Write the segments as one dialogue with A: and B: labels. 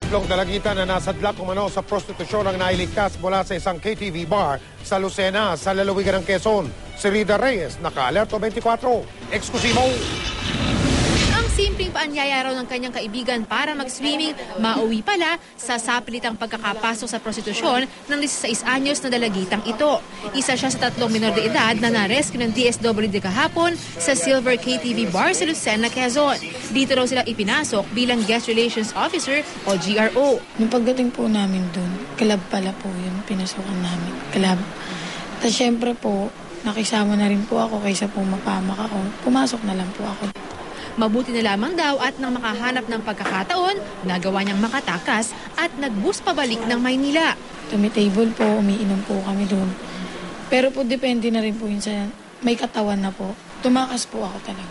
A: Tatlong dalagita na nasadlak umano sa prostitusyon ang nailigtas mula sa isang KTV bar sa Lucena, sa lalawigan ng Quezon. Si Rida Reyes, naka-alerto 24. Eksklusibo.
B: Ang simpleng paanyaya raw ng kanyang kaibigan para mag-swimming, mauwi pala sa sapilitang pagkakapasok sa prostitusyon ng 16 anyos na dalagitang ito. Isa siya sa tatlong minor de edad na na-rescue ng DSWD kahapon sa Silver KTV Bar sa Lucena, Quezon. Dito raw sila ipinasok bilang Guest Relations Officer o GRO.
C: Nung pagdating po namin dun, club pala po yun, pinasukan namin, club. Tapos syempre po, nakisama na rin po ako kaysa po mapamak ako. Pumasok na lang po ako.
B: Mabuti na lamang daw at nang makahanap ng pagkakataon, nagawa niyang makatakas at nag-bus pabalik ng Maynila.
C: Tumitable po, umiinom po kami doon. Pero po depende na rin po yun sa may katawan na po. Tumakas po ako talaga.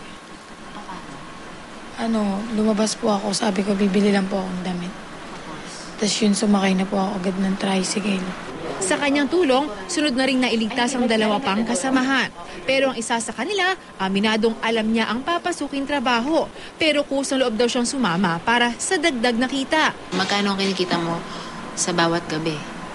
C: Lumabas po ako, sabi ko bibili lang po akong damit. Tapos yun, sumakay na po ako agad ng tricycle.
B: Sa kanyang tulong, sunod na ring nailigtas ang dalawa pang kasamahan. Pero ang isa sa kanila, aminadong alam niya ang papasuking trabaho. Pero kusang loob daw siyang sumama para sa dagdag na kita.
D: Magkano ang kinikita mo sa bawat gabi?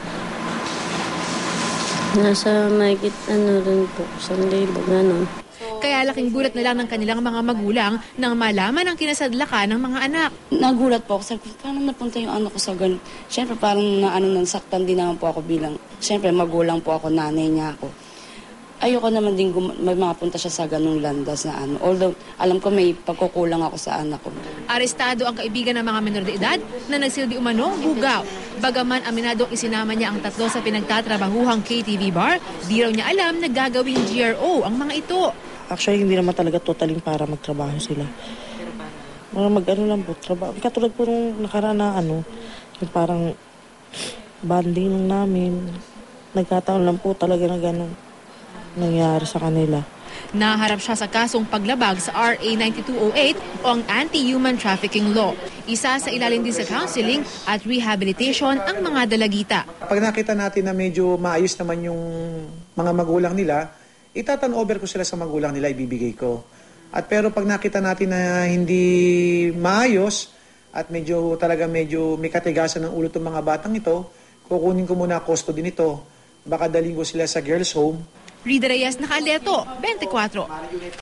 E: Nasa mahigit rin po, 1,000, gano'n.
B: Kaya laking gulat na lang ng kanilang mga magulang nang malaman ang kinasadlakan ng mga anak.
F: Nagulat po ako. Sabi ko, paano napunta yung anak ko sa ganun? Siyempre, parang nasaktan din naman po ako bilang, siyempre, magulang po ako, nanay niya ako. Ayoko naman din mapunta siya sa ganung landas na Although, alam ko may pagkukulang ako sa anak ko.
B: Arestado ang kaibigan ng mga menor de edad na nagsilbi umanong bugaw. Bagaman aminadong isinama niya ang tatlo sa pinagtatrabahuhang KTV bar, di raw niya alam na gagawing GRO ang mga ito.
G: Actually, hindi naman talaga totaling para magtrabaho sila. Mag-ano lang po, trabaho. Katulad po nung nakaraan na yung parang banding nung namin. Nagkataon lang po talaga na gano'n nangyari sa kanila.
B: Naharap siya sa kasong paglabag sa RA 9208 o ang Anti-Human Trafficking Law. Isa sa ilalim din sa counseling at rehabilitation ang mga dalagita.
H: Pag nakita natin na medyo maayos naman yung mga magulang nila, itatan over ko sila sa magulang nila, ibibigay ko. At pero pag nakita natin na hindi maayos at medyo may katigasan ng ulo itong mga batang ito, kukunin ko muna custody nito. Baka daling ko sila sa girls' home.
B: Rida Reyes, naka-alerto, 24.